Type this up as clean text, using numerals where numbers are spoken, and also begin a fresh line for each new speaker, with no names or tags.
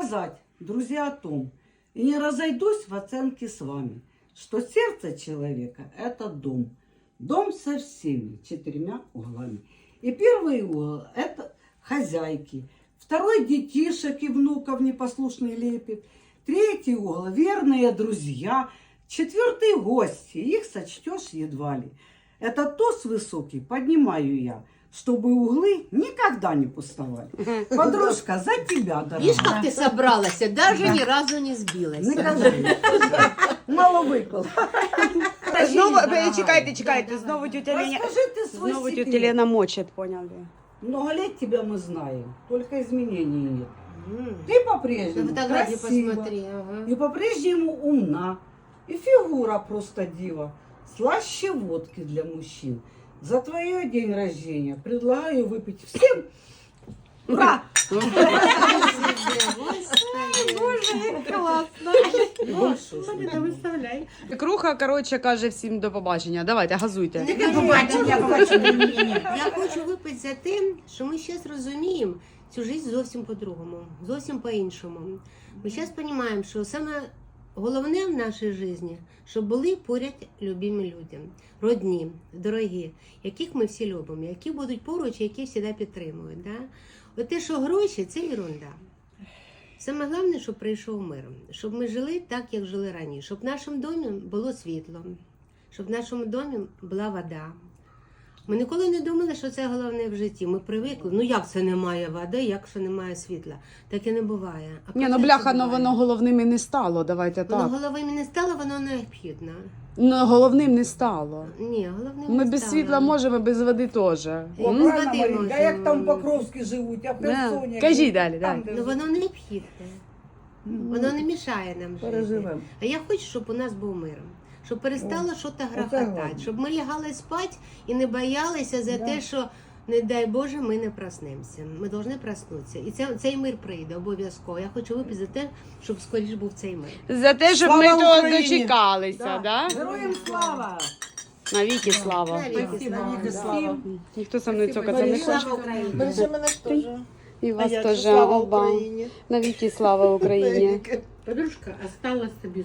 сказать, друзья, о том, и не разойдусь в оценке с вами, что сердце человека – это дом. Дом со всеми 4 углами. И первый угол – это хозяйки. Второй – детишек и внуков непослушный лепит. Третий угол – верные друзья. Четвертый – гости. Их сочтешь едва ли. Это тост высокий поднимаю я, чтобы углы никогда не пустовали. Подружка, за тебя, дорогая.
Видишь, как ты собралась, даже ни разу не сбилась.
Мало выпал.
Знову, чекайте, знову тетя Леня.
Расскажи ты свой
Знову
секрет.
тетя Лена мочит, поняли?
Много лет тебя мы знаем, только изменений нет. Ты
На
по-прежнему
фотографии
красива,
посмотри. Ага.
и по-прежнему умна, и фигура просто дива, слаще водки для мужчин. За твое день рождения предлагаю выпить всем. Ура!
Круха, коротше, каже всім до побачення. Давайте, газуйте.
Я хочу випити за те, що ми зараз розуміємо цю життя зовсім по-другому, зовсім по-іншому. Ми зараз розуміємо, що саме головне в нашій житті, щоб були поряд любимі люди, родні, дорогі, яких ми всі любимо, які будуть поруч, які завжди підтримують. Да? От те, що гроші, це ерунда. Саме головне, щоб прийшов мир, щоб ми жили так, як жили раніше, щоб в нашому домі було світло, щоб в нашому домі була вода. Ми ніколи не думали, що це головне в житті. Ми привикли. Ну як це немає води, як це немає світла? Так і не буває. А
Ні, ну
процес
бляха, ну
буває.
воно головним і не стало, давайте
Воно
так.
головним не стало, воно необхідно.
Ну, головним не стало.
Ні, головним
Ми
не
без
стало.
світла можемо, без води теж.
Без
Правильно,
води
Маринка,
можемо.
як там Покровські живуть, а в Херсоні.
Кажіть далі,
Там,
далі.
де
Ну воно необхідне. Воно не мішає нам жити.
Переживемо.
А я хочу, щоб у нас був мир. Щоб перестало щось грохотати.
головне.
Щоб ми лягали спати і не боялися за те, що, не дай Боже, ми не проснемося. Ми повинні проснутися. І цей мир прийде обов'язково. Я хочу випити за те, щоб скоріш був цей мир.
За те, щоб
Слава
ми того
Україні!
дочекалися, да?
Героям слава!
Навіки слава.
Навіки слава.
Ніхто со мною цокаться не хоче.
Слава Україні!
Бережи мене ж теж.
І вас
А я
теж.
слава
Оба.
Україні.
Навіки слава Україні.
Подружка осталась тобі